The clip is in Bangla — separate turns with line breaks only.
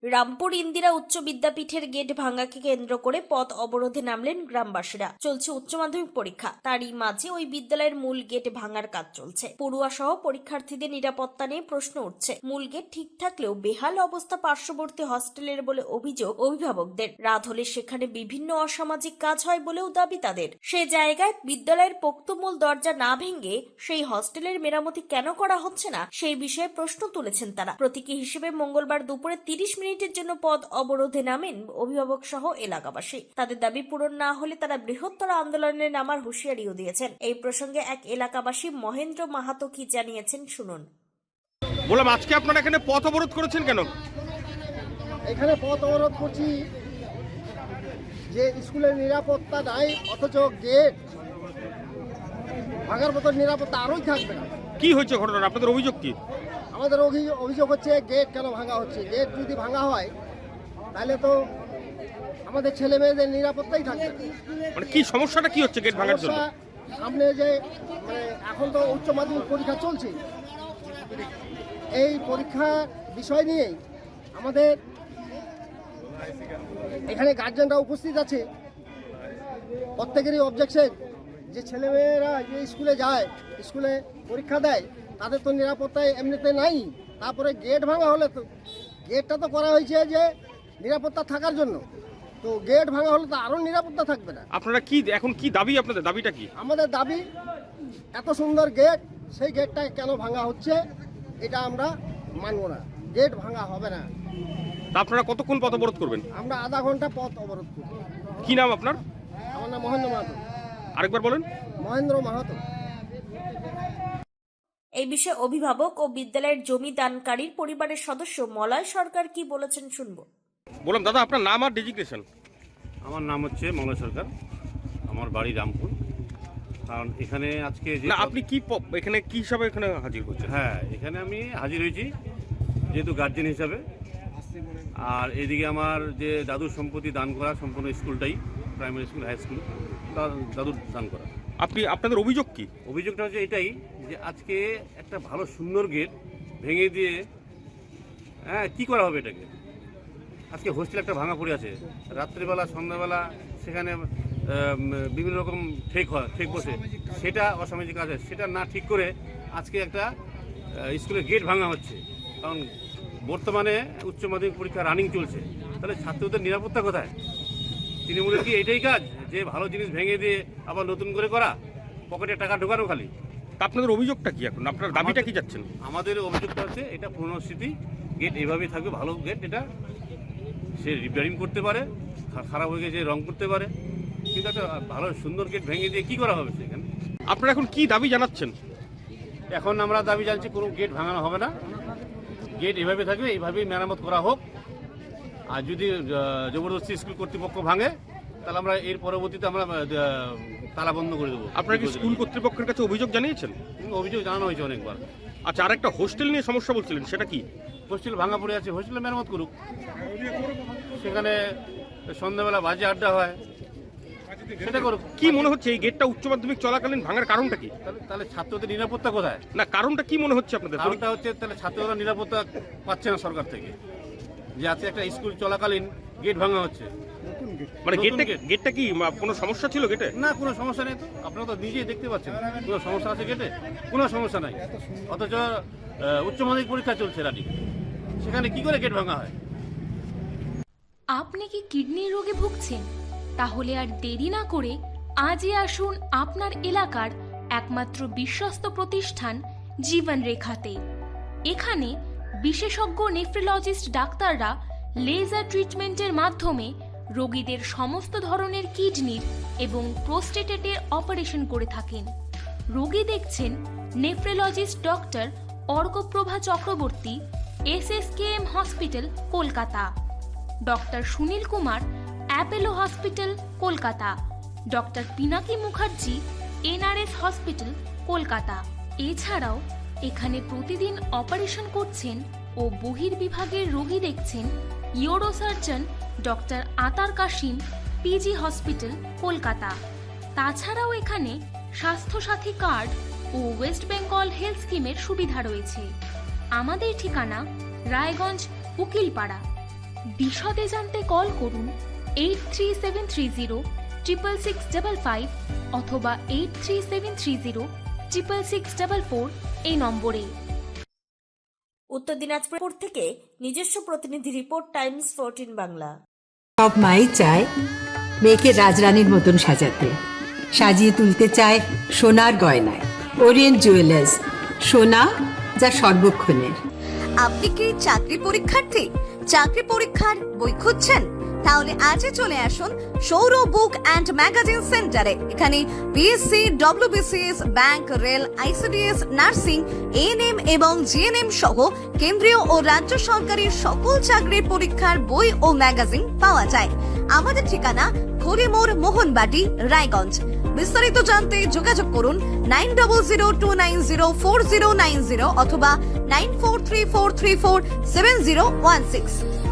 রামপুর ইন্দিরা উচ্চ বিদ্যাপীঠের গেট ভাঙাকে কেন্দ্র করে পথ অবরোধে নামলেন গ্রামবাসীরা। চলছে উচ্চ মাধ্যমিক পরীক্ষা, তারই মাঝে ওই বিদ্যালয়ের মূল গেট ভাঙার কাজ চলছে। পড়ুয়া সহ পরীক্ষার্থীদের নিরাপত্তা নিয়ে প্রশ্ন উঠছে। মূল গেট ঠিক থাকলেও বেহাল অবস্থা পার্শ্ববর্তী হস্টেলের বলে অভিযোগ অভিভাবকদের। রাত হলে সেখানে বিভিন্ন অসামাজিক কাজ হয় বলেও দাবি তাদের। সে জায়গায় বিদ্যালয়ের পোক্ত মূল দরজা না ভেঙে সেই হস্টেলের মেরামতি কেন করা হচ্ছে না, সেই বিষয়ে প্রশ্ন তুলেছেন তারা। প্রতীকী হিসেবে মঙ্গলবার দুপুরে 30 মিনিটের জন্য পথ অবরোধে নামেন অভিভাবক সহ এলাকাবাসী। তাদের দাবি পূরণ না হলে তারা বৃহত্তর আন্দোলনে নামার হুঁশিয়ারিও দিয়েছেন। এই প্রসঙ্গে এক এলাকাবাসী মহেন্দ্র মাহাতো কি জানিয়েছেন শুনুন।
বললাম, আজকে আপনারা এখানে পথ অবরোধ করেছেন কেন?
এখানে পথ অবরোধ করছি যে স্কুলের নিরাপত্তা নাই, অথচ গেট ভাঙার মতো নিরাপত্তা আরোই থাকবে না।
কি হয়েছে ঘটনা? আপনাদের অভিযোগ কি?
আমাদের অভিযোগ হচ্ছে গেট কেন ভাঙা হচ্ছে। গেট যদি ভাঙা হয় তাহলে তো আমাদের ছেলে মেয়েদের নিরাপত্তাই থাকবে না।
মানে কি সমস্যাটা কি হচ্ছে গেট ভাঙার জন্য?
সামনে যে এখন তো উচ্চ মাধ্যমিক পরীক্ষা চলছে, এই পরীক্ষার বিষয় নিয়েই আমাদের এখানে গার্জেনরা উপস্থিত আছে। প্রত্যেকেরই অবজেকশন যে ছেলেমেয়েরা যে স্কুলে যায়, স্কুলে পরীক্ষা দেয়, তাদের তো নিরাপত্তায় এমনিতে নাই। তারপরে গেট ভাঙা হলে তো গেটটা তো করা হয়েছে যে নিরাপত্তা থাকার জন্য, তো গেট ভাঙা হলে তো আরও নিরাপত্তা থাকবে না।
আপনারা কি এখন কি দাবি? আপনাদের দাবিটা কি?
আমাদের দাবি, এত সুন্দর গেট, সেই গেটটা কেন ভাঙা হচ্ছে এটা আমরা মানব না। গেট ভাঙা হবে না।
আপনারা কতক্ষণ পথ অবরোধ করবেন?
আমরা আধা ঘন্টা পথ অবরোধ করব।
কি নাম আপনার?
আমার নাম মহেন্দ্র মাহাতো।
আরেকবার বলেন।
মহেন্দ্র মাহাতো।
এই বিষয়ে অভিভাবক ও বিদ্যালয়ের জমি দানকারীর পরিবারের সদস্য মলয় সরকার কি বলেছেন শুনবো।
বললাম, দাদা আপনার নাম আর ডেজিগনেশন?
আমার নাম হচ্ছে মলয় সরকার, আমার বাড়ি রামপুর। কারণ এখানে আজকে যে
আপনি কি এখানে কি হিসাবে এখানে হাজির হচ্ছেন?
হ্যাঁ, এখানে আমি হাজির হয়েছি যেহেতু গার্জেন হিসাবে। আর এদিকে আমার যে দাদুর সম্পত্তি দান করা সম্পূর্ণ স্কুলটাই, প্রাইমারি স্কুল, হাই স্কুল, দাদুর দান করা।
আপনাদের অভিযোগ কি?
অভিযোগটা হচ্ছে এটাই যে আজকে একটা ভালো সুন্দর গেট ভেঙে দিয়ে কি করা হবে এটাকে? আজকে হোস্টেল একটা ভাঙা পড়ে আছে, রাত্রিবেলা সন্ধ্যাবেলা সেখানে বিভিন্ন রকম ঠেক বসে, সেটা অসামাজিক কাজ হয়। সেটা না ঠিক করে আজকে একটা স্কুলের গেট ভাঙা হচ্ছে। কারণ বর্তমানে উচ্চ মাধ্যমিক পরীক্ষা রানিং চলছে, তাহলে ছাত্রদের নিরাপত্তা কোথায়? তৃণমূলের কি এটাই কাজ যে ভালো জিনিস ভেঙে দিয়ে আবার নতুন করে করা, পকেটে টাকা ঢোকানো খালি?
আপনাদের অভিযোগটা কি এখন? আপনার দাবিটা কি যাচ্ছেন?
আমাদের অভিযোগটা হচ্ছে এটা পুরনো স্মৃতি, গেট এভাবেই থাকবে, ভালো গেট। এটা সে রিপেয়ারিং করতে পারে, খারাপ হয়ে গেছে রং করতে পারে, কিন্তু একটা ভালো সুন্দর গেট ভেঙে দিয়ে কি করা হবে সেখানে?
আপনারা এখন কি দাবি জানাচ্ছেন?
এখন আমরা দাবি জানছি কোনো গেট ভাঙানো হবে না, গেট এভাবে থাকবে, এইভাবেই মেরামত করা হোক। আর যদি জবরদস্তি স্কুল কর্তৃপক্ষ ভাঙে তাহলে আমরা এর পরবর্তীতে আমরা তালা বন্ধ করে দেবো।
আপনারা কি স্কুল কর্তৃপক্ষের কাছে অভিযোগ জানিয়েছেন?
অভিযোগ জানানো হয়েছে অনেকবার।
আচ্ছা, আর একটা হোস্টেল নিয়ে সমস্যা বলছিলেন, সেটা কি?
হোস্টেল ভাঙা পড়ে আছে, হোস্টেলে মেরামত করুক। সেখানে সন্ধ্যাবেলা বাজে আড্ডা হয়, সেটা করুক।
কি মনে হচ্ছে এই গেটটা উচ্চ মাধ্যমিক চলাকালীন ভাঙার কারণটা কি?
তাহলে ছাত্রদের নিরাপত্তা কোথায়?
না, কারণটা কি মনে হচ্ছে আপনাদের?
কারণটা হচ্ছে তাহলে ছাত্ররা নিরাপত্তা পাচ্ছে না সরকার থেকে, যে আজকে একটা স্কুল চলাকালীন গেট ভাঙা হচ্ছে।
মানে গেটটা কি কোনো সমস্যা ছিল গেটে?
না, কোনো সমস্যা নেই তো, আপনারা তো নিজেই দেখতে পাচ্ছেন কোনো সমস্যা আছে গেটে? কোনো সমস্যা নাই। অথচ উচ্চ মাধ্যমিক পরীক্ষা চলছে রানি, সেখানে কি করে গেট ভাঙা হয়?
আপনি কি কিডনির রোগে ভুগছেন? তাহলে আর দেরি না করে আজই আসুন আপনার এলাকার একমাত্র বিশ্বস্ত প্রতিষ্ঠান জীবন রেখাতে। এখানে বিশেষজ্ঞ নেফ্রোলজিস্ট ডাক্তাররা লেজার ট্রিটমেন্টের মাধ্যমে রোগীদের সমস্ত ধরনের কিডনির এবং প্রোস্টেটের অপারেশন করে থাকেন। রোগী দেখছেন nephrologist doctor Arkaprabha Chakraborty, SSKM hospital, Kolkata; doctor Sunil Kumar, Apollo hospital, Kolkata; doctor Pinaki Mukherjee, NRS hospital, Kolkata. এছাড়াও এখানে প্রতিদিন অপারেশন করছেন ও বহির্বিভাগের রোগী দেখছেন ইউরোসার্জন ডক্টর আতার কাশিম, PG হসপিটাল, কলকাতা। তাছাড়াও এখানে স্বাস্থ্যসাথী কার্ড ও ওয়েস্ট বেঙ্গল হেলথ স্কিমের সুবিধা রয়েছে। আমাদের ঠিকানা রায়গঞ্জ, উকিলপাড়া। বিশদে জানতে কল করুন 8373066655 অথবা 8373066644 এই নম্বরে।
উত্তর দিনাজপুর থেকে নিজস্ব প্রতিনিধি রিপোর্ট, টাইমস 14 বাংলা।
সব মাই চায় মেয়েকে রাজরানীর মতন সাজাতে, সাজিয়ে তুলতে চায় সোনার গয়নায়। ওরিয়েন্ট জুয়েলার্স, সোনা যা সর্বক্ষণের।
আপনি কি চাকরি পরীক্ষার্থী? চাকরি পরীক্ষার বই খুঁজছেন? তাহলে আজই চলে আসুন সৌর বুক অ্যান্ড ম্যাগাজিন সেন্টারে। এখানে BSc, WBCS, bank, rail, ICDS, nursing, ANM এবং জিএনএম সহ কেন্দ্রীয় ও রাজ্য সরকারের সকল চাকরির পরীক্ষার বই ও ম্যাগাজিন পাওয়া যায়। আমাদের ঠিকানা খড়িমোড়, মোহনবাটি, রায়গঞ্জ। বিস্তারিত জানতে যোগাযোগ করুন 9002904090 অথবা 9434347016।